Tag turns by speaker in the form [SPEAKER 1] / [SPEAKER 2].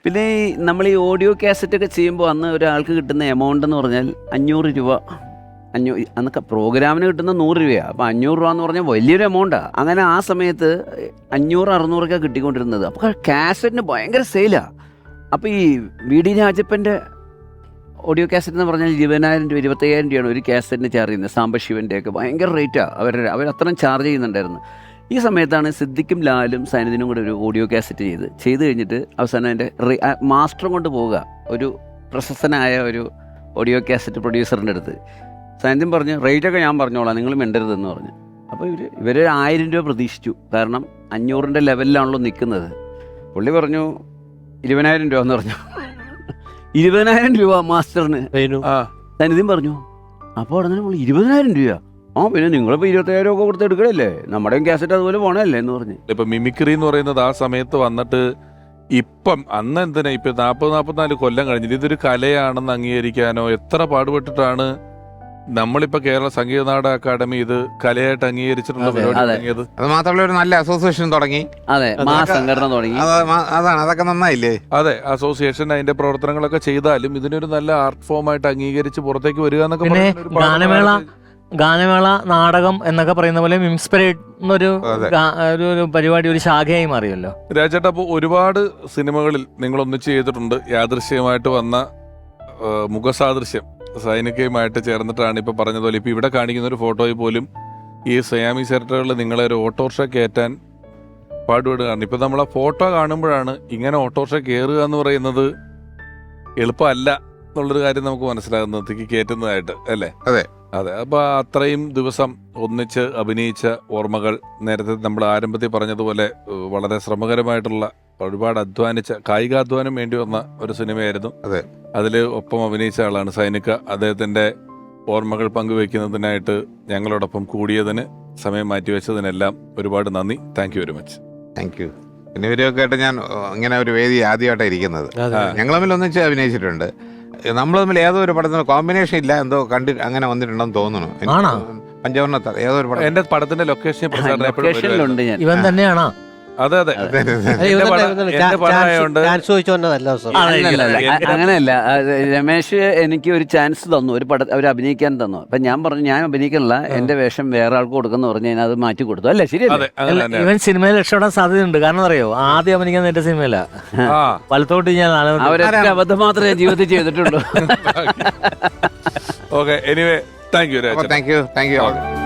[SPEAKER 1] പിന്നെ നമ്മൾ ഈ ഓഡിയോ കാസറ്റൊക്കെ ചെയ്യുമ്പോൾ അന്ന് ഒരാൾക്ക് കിട്ടുന്ന എമൗണ്ട് എന്ന് പറഞ്ഞാൽ 500 രൂപ. അന്നൊക്കെ പ്രോഗ്രാമിന് കിട്ടുന്ന 100 രൂപയാണ്. അപ്പോൾ 500 രൂപ എന്ന് പറഞ്ഞാൽ വലിയൊരു എമൗണ്ടാണ്. അങ്ങനെ ആ സമയത്ത് 500-600 കിട്ടിക്കൊണ്ടിരുന്നത്. അപ്പോൾ കാസറ്റിന് ഭയങ്കര സെയിലാണ്. അപ്പോൾ ഈ വി ഡി രാജപ്പൻ്റെ ഓഡിയോ കാസറ്റ് എന്ന് പറഞ്ഞാൽ 20,000 രൂപ 25,000 രൂപയാണ് ഒരു കാസറ്റിന് ചാർജ് ചെയ്യുന്നത്. സാംബശിവൻ്റെയൊക്കെ ഭയങ്കര റേറ്റാണ്. അവരത്രയും ചാർജ് ചെയ്യുന്നുണ്ടായിരുന്നു. ഈ സമയത്താണ് സിദ്ദിഖും ലാലും സൈനുദ്ദീനും കൂടെ ഒരു ഓഡിയോ കാസറ്റ് ചെയ്ത് കഴിഞ്ഞിട്ട് അവസാനം അതിൻ്റെ മാസ്റ്ററും കൊണ്ട് പോവുക ഒരു പ്രശസ്തനായ ഒരു ഓഡിയോ കാസറ്റ് പ്രൊഡ്യൂസറിൻ്റെ അടുത്ത്. സൈനുദ്ദീൻ പറഞ്ഞു റേറ്റൊക്കെ ഞാൻ പറഞ്ഞോളാം, നിങ്ങൾ മിണ്ടരുതെന്ന് പറഞ്ഞു. അപ്പോൾ ഇവർ 1000 രൂപ പ്രതീക്ഷിച്ചു. കാരണം 500-ൻ്റെ ലെവലിലാണല്ലോ നിൽക്കുന്നത്. പുള്ളി പറഞ്ഞു 20,000 രൂപ എന്ന് പറഞ്ഞു. 20,000 രൂപ മാസ്റ്ററിന് സൈനുദ്ദീൻ പറഞ്ഞു. അപ്പോൾ ഉടനെ നമ്മൾ 20,000 രൂപ. പിന്നെ നിങ്ങളിപ്പോൾ 25,000 ഒക്കെ കൊടുത്ത് എടുക്കണല്ലേ, നമ്മുടെയും കാസറ്റ് അതുപോലെ പോണല്ലേ എന്ന് പറഞ്ഞു.
[SPEAKER 2] ഇപ്പൊ മിമിക്രി എന്ന് പറയുന്നത് ആ സമയത്ത് വന്നിട്ട് ഇപ്പം അന്ന് എന്തിനാ ഇപ്പൊ 40-44 കൊല്ലം കഴിഞ്ഞിട്ട് ഇതൊരു കലയാണെന്ന് അംഗീകരിക്കാനോ എത്ര പാടുപെട്ടിട്ടാണ് നമ്മളിപ്പോ കേരള സംഗീത നാടക അക്കാദമി ഇത് കലയായിട്ട് അംഗീകരിച്ചിട്ടുള്ള പരിപാടി തുടങ്ങിയത്.
[SPEAKER 3] അത് മാത്രമല്ല ഒരു നല്ല അസോസിയേഷൻ തുടങ്ങി.
[SPEAKER 1] അതെ, സംഘടന തുടങ്ങി.
[SPEAKER 3] അതാണ്, അതൊക്കെ നന്നായില്ലേ?
[SPEAKER 2] അതെ, അസോസിയേഷൻ അതിന്റെ പ്രവർത്തനങ്ങളൊക്കെ ചെയ്താലും ഇതിനൊരു നല്ല ആർട്ട് ഫോം ആയിട്ട് അംഗീകരിച്ച് പുറത്തേക്ക് വരിക എന്നൊക്കെ
[SPEAKER 4] ഗാനമേള നാടകം എന്നൊക്കെ പറയുന്ന പോലെ മിംസ്പിരേറ്റ് എന്നൊരു പരിപാടി ഒരു ശാഖയായി മാറിയല്ലോ.
[SPEAKER 2] രാജേട്ടാ, അപ്പോൾ ഒരുപാട് സിനിമകളിൽ നിങ്ങൾ ഒന്നിച്ച് ചെയ്തിട്ടുണ്ട്. യാദൃശ്യമായിട്ട് വന്ന മുഖസാദൃശ്യം സൈനികയുമായിട്ട് ചേർന്നിട്ടാണ് ഇപ്പൊ പറഞ്ഞതുപോലെ ഇപ്പൊ ഇവിടെ കാണിക്കുന്ന ഒരു ഫോട്ടോയിൽ പോലും ഈ സയാമി സെക്ടറുകളിൽ നിങ്ങളെ ഒരു ഓട്ടോറിക്ഷ കയറ്റാൻ പാടുപെടുകയാണ്. ഇപ്പൊ നമ്മൾ ആ ഫോട്ടോ കാണുമ്പോഴാണ് ഇങ്ങനെ ഓട്ടോറിക്ഷ കയറുക എന്ന് പറയുന്നത് എളുപ്പമല്ല എന്നുള്ളൊരു കാര്യം നമുക്ക് മനസ്സിലാകുന്നത്, കയറ്റുന്നതായിട്ട് അല്ലേ?
[SPEAKER 3] അതെ
[SPEAKER 2] അതെ. അപ്പൊ അത്രയും ദിവസം ഒന്നിച്ച് അഭിനയിച്ച ഓർമ്മകൾ, നേരത്തെ നമ്മൾ ആരംഭത്തിൽ പറഞ്ഞതുപോലെ വളരെ ശ്രമകരമായിട്ടുള്ള ഒരുപാട് അധ്വാനിച്ച കായികാധ്വാനം വേണ്ടി വന്ന ഒരു സിനിമയായിരുന്നു.
[SPEAKER 3] അതെ,
[SPEAKER 2] അതിൽ ഒപ്പം അഭിനയിച്ച ആളാണ് സൈനിക. അദ്ദേഹത്തിന്റെ ഓർമ്മകൾ പങ്കുവെക്കുന്നതിനായിട്ട് ഞങ്ങളോടൊപ്പം കൂടിയതിന്, സമയം മാറ്റിവെച്ചതിനെല്ലാം ഒരുപാട് നന്ദി. Thank you very much.
[SPEAKER 3] Thank you. പിന്നെ ഇവരൊക്കെ ആയിട്ട് ഞാൻ ഇങ്ങനെ ഒരു വേദി ആദ്യമായിട്ടാണ് ഇരിക്കുന്നത്. ഞങ്ങൾ തമ്മിൽ ഒന്നിച്ച് അഭിനയിച്ചിട്ടുണ്ട്. നമ്മൾ തമ്മിൽ ഏതോ ഒരു പടത്തിന് കോമ്പിനേഷൻ ഇല്ല, എന്തോ അങ്ങനെ വന്നിട്ടുണ്ടെന്ന് തോന്നുന്നു. പഞ്ചവർണ്ണ ഏതോ ഒരു പടം,
[SPEAKER 2] എന്റെ പടത്തിന്റെ ലൊക്കേഷൻ
[SPEAKER 4] ഇവൻ തന്നെയാണോ?
[SPEAKER 2] അതെ അതെ.
[SPEAKER 1] അങ്ങനെയല്ല, രമേശ് എനിക്ക് ഒരു ചാൻസ് തന്നു, ഒരു പടം അവർ അഭിനയിക്കാൻ തന്നു. അപ്പൊ ഞാൻ പറഞ്ഞു ഞാൻ അഭിനയിക്കണില്ല, എന്റെ വേഷം വേറെ ആൾക്ക് കൊടുക്കുന്ന പറഞ്ഞു. ഞാൻ അത് മാറ്റി കൊടുത്തു. അല്ലേ, ശരിയല്ലേ?
[SPEAKER 4] ഇവൻ സിനിമയിൽ രക്ഷപ്പെടാൻ സാധ്യതയുണ്ട്. കാരണം അറിയോ, ആദ്യം അഭിനയിക്കാൻ എന്റെ സിനിമയില വലത്തോട്ട് ഞാൻ
[SPEAKER 1] അവരൊക്കെ അബദ്ധം മാത്രമേ ജീവിതത്തിൽ ചെയ്തിട്ടുള്ളൂ.
[SPEAKER 2] Okay, anyway thank you.
[SPEAKER 3] Thank U.